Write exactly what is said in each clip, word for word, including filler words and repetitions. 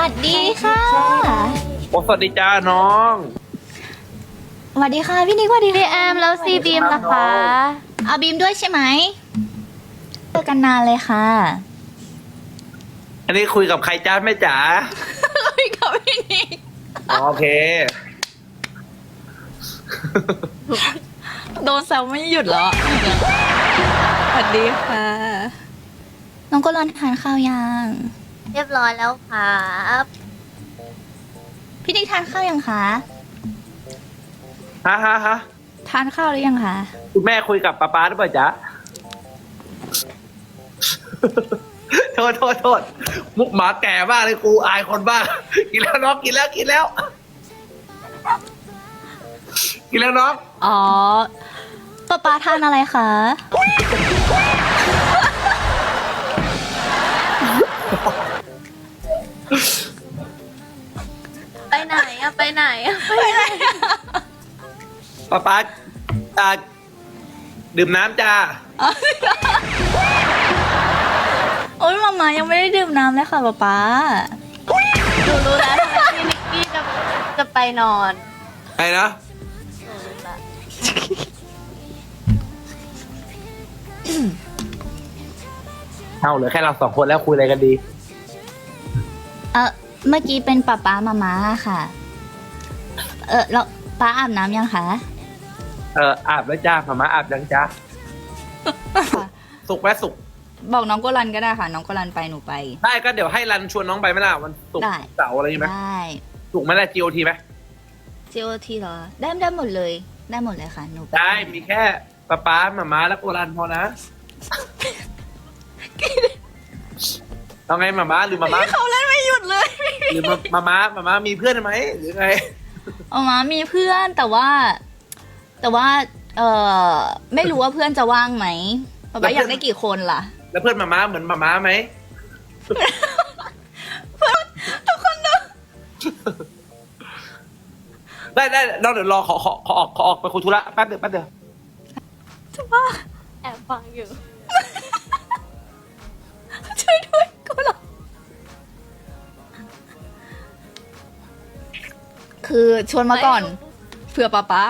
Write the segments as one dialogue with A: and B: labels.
A: วัสดีค่ะ
B: โอ้สวัสดีจ้าน้อง
A: สวัสดีค่ะพี่นิกสวัสดี
C: พี่
A: ค่ะ
C: แอมแล้วซีบีมนะคะ
A: เอาบีมด้วยใช่ไหมเจอกันนานเลยค่ะ
B: อันนี้คุยกับใครจ้าแม่จ๋า
A: คุยกับพี่นิก
B: โอเค
A: โดนแซวไม่หยุดเหรอสวัสดีค่ะ น้องก็รอนทานข้าวยัง
C: เรียบร้อยแล้วครับ
A: พี่นิกทานข้าวยังคะ
B: ฮะฮะฮะ
A: ทานข้าวหรือยังคะ
B: คุณแม่คุยกับป๊าป๊าหรือเปล่าจ๊ะ โทษโทษโทษมุกหมาแก่บ้างเลยกูอายคนบ้าง กินแล้วน้องกินแล้วกินแล้ว กินแล้วน้อง
A: อ๋อป๊าป๊าทานอะไรคะ
C: ไปไหนอะไปไหนอะไปไหน
B: ป๊าป๊าอ่าดื่มน้ำจ้า
A: โอ๊ยมาม่ายังไม่ได้ดื่มน้ำเลยค่ะป๊าป๊า
C: หนูรู้แล้วทำไมพี่นิกกี้จะจะไปนอน
B: ไปนะ
C: หนูรู้ละ
B: เอาเหลือแค่เราสองคนแล้วคุยอะไรกันดี
A: เออเมื่อกี้เป็นป๊าป๊ามาม่าค่ะ เออแล้วป๊าอาบน้ำยังคะ
B: เอออาบแล้วจ้าหมามาอาบยังจ้าสุกไหมสุก
A: บอกน้องโกลันก็ได้ค่ะ น้องโกลันไปหนูไป
B: ได้ก็เดี๋ยวให้รันชวนน้องไปไหมล่ะวันศุก
A: ได้
B: ร์เสาร์อะไรอย่างงี้ไหม
A: ได้
B: ถูกไหมล่ะ จี โอ ที ไหม
A: จี โอ ที เหรอ ได้ได้หมดเลย ได้หมดเลยค่ะ หนูป
B: ได้มีแค่ป๊าป๊าหมาม้าและโกรันพอนะเอาไงหมาม้าหรือหมาม้า
A: เขาเล่นไม่หยุดเลย
B: หรือหมาม้าหมาม้ามีเพื่อนไหมหรือไง
A: เอามามีเพื่อนแต่ว่า แต่ว่า เออไม่รู้ว่าเพื่อนจะว่างไหมป๊าป๊าอยากได้กี่คนล่ะ
B: แล้วเพื่อนหมาม้าเหมือนหมาม้าไหม
A: ทุกคนดู
B: ได้ได้เราเดี๋ยวรอขอขอขอออกขอออกไปคุยธุระแป๊บเดียวแป๊บเดียว
A: จะว่า
C: แอบฟังอยู่
A: ช่วยด้วยโกลันคือชวนมาก่อนเผื่อป๊าป๊า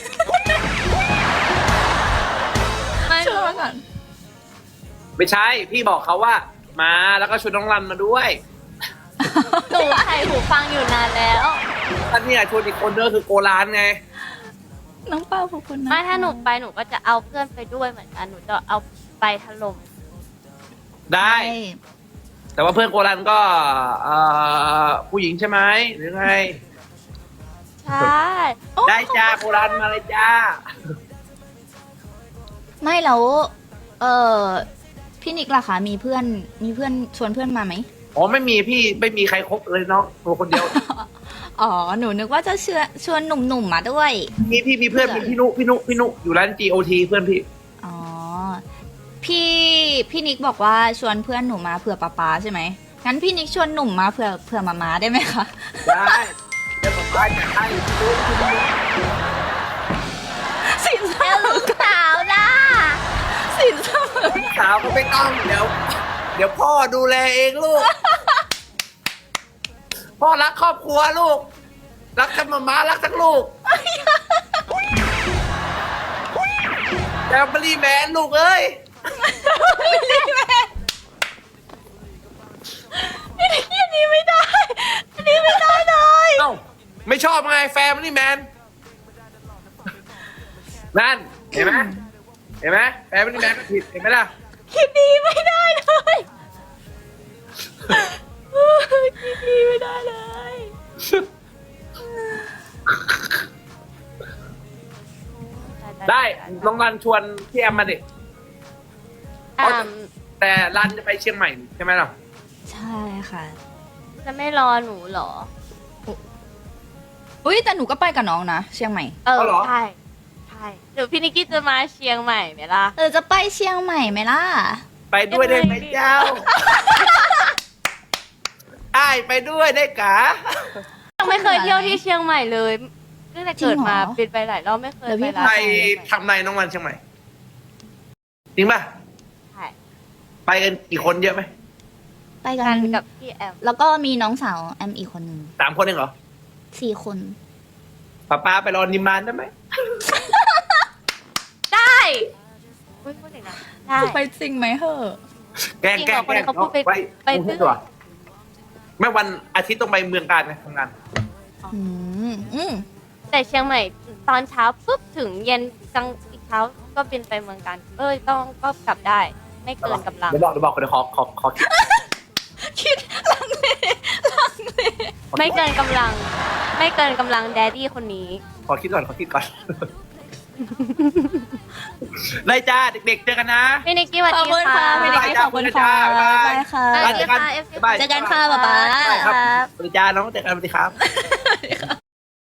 C: ไม่
A: ชวนมาก่อน
B: ไม่ใช่พี่บอกเขาว่า มาแล้วก็ชวนน้องรันมาด้วย
C: หนูใส่หูฟังอยู่นานแล้ว
B: ท่านเนี่ยชวนอีกคนเนอคือโกรานไง
A: น้องเป้าขอบคุณนะ
C: ไม่ถ้าหนูไปหนูก็จะเอาเพื่อนไปด้วยเหมือนกันหนูจะเอาไปถล่ม
B: ได้
A: ใช่
B: แต่ว่าเพื่อนโกรันก็เอ่อผู้หญิงใช่ไหมหรือไง
C: ใช่
B: ได้จ้าโกรันมาเลยจ้า
A: ไม่แล้วเออพี่นิกล่ะคะมีเพื่อนมีเพื่อนชวนเพื่อนมาไหม
B: อ๋อไม่มีพี่ไม่มีใครคบเลยเนาะตัวคนเดียว
A: อ๋อหนูนึกว่าจะเชื่อชวนหนุ่มๆมาด้วย
B: มีพี่มีเพื่อนมีพี่นุพี่นุพี่นุอยู่ร้าน จี โอ ที เพื่อนพี่
A: อ๋อพี่พี่นิกบอกว่าชวนเพื่อนหนูมาเผื่อป๊าป๊าใช่ไหมงั้นพี่นิกชวนหนุ่มมาเผื่อเผื่อมาม้าได้ไหมคะ
B: ได้เดี๋ยวผมไปจะให้พี่นุพี่นุ
A: สินเส
C: เจ้าม
A: อ
C: ลูกสาวนะ
A: สินเสมอ
B: สาวก็ไม่ต้องเดี๋ยว เดี๋ยวพ่อดูแลเองลูก พ่อรักครอบครัวลูก รักทั้งมาม้ารักทั้งลูกแฟมิลี่แมนลูกเอ้ย
A: พี่นิกอันนี้ไม่ได้อันนี้ไม่ได้เลย
B: เอ้าไม่ชอบไงแฟมิลี่แมนนั่นเห็นไหมเห็นไหมแฟมิลี่แมนก็ผิดเห็นไหมล่ะ
A: คิดดีไม่ได้เลยคิดดีไม่ได้เลย
B: ได้น้องรันชวนพี่แอมมาดิ
C: อ่า
B: แต่รันจะไปเชียงใหม่ใช่ไหมล่ะ
A: ใช่ค่ะ
C: จะไม่รอหนูเหรอ
A: อุ้ยแต่หนูก็ไปกับน้องนะเชียงใหม่
C: เออใช่ใช่เดี๋ยวพี่นิกกี้จะมาเชียงใหม่ไหมล่ะ
A: เออจะไปเชียงใหม่ไหมล่ะ
B: ไปด้วยได้ไหมเจ้าไอ้ายไปด้วยได้กะ
C: ยังไม่เคยเที่ยวที่เชียงใหม่เลยตั้งแต่เกิดมา
A: จริงเหรอ
C: เป็นไปหลายรอบไม่เคย
A: แล้วพี่
C: ไปร้าน
B: ไป
C: อาหารเชียงใหม่
B: ทำไรน้องรันเชียงใหม่จริงป่ะ
C: ใช่
B: ไปกันกี่คนเยอะไหม
A: ไปไปกั
C: กัน นกับพี่แอม
A: แล้วก็มีน้องสาวแอมอีกคนหนึ่ง
B: สามคนเองเหรอ
A: สี่คน
B: ป้าป้าไปรอนิมมานได้ไหม
C: ได้พูดพูดถึงนะได้
A: จะไปจริงไหมเหอะ
B: แกล้ง
C: จริง
B: แก
C: เหร
B: ล้
C: อง คน
B: แกล้ง
C: เขาพูดไป
B: ไป
C: ไป
B: ไปตัวแม่วันอาทิตย์ต้องไปเมืองการนะทำงาน
A: อืมอืม
C: แต่เชียงใหม่ตอนเช้าปุ๊บถึงเย็นกลางอีกเช้าก็บินไปเมืองการเอ้ยต้องก็กลับได้ ไม่เกินกำลัง
B: เดี๋ยวบอกเดี๋ยวบอกคนเดี๋ยวขอขอขอคิด
A: คิดลังเลลังเล
C: ไม่เกินกำลัง ไม่เกินกำลังแดดดี้คนนี้
B: ขอคิดก่อนขอคิดก่อน ได้จ้าเด็กๆเจอกันนะ
C: พี่นิกกี้สวัส
A: ขอบ
C: ดี
A: คุณ
C: ค่ะ
A: ค่ะพี่นิกกี้ขอบคุณค่ะ
B: บ๊ายบาย
A: บายค่ะ
C: สวัสดีค่ะ
B: บ๊ายบาย
A: เจอกันค่ะป๊าป๊า
B: ครับสวัสดีจ้าน้องเจอกันสวัสดีครับ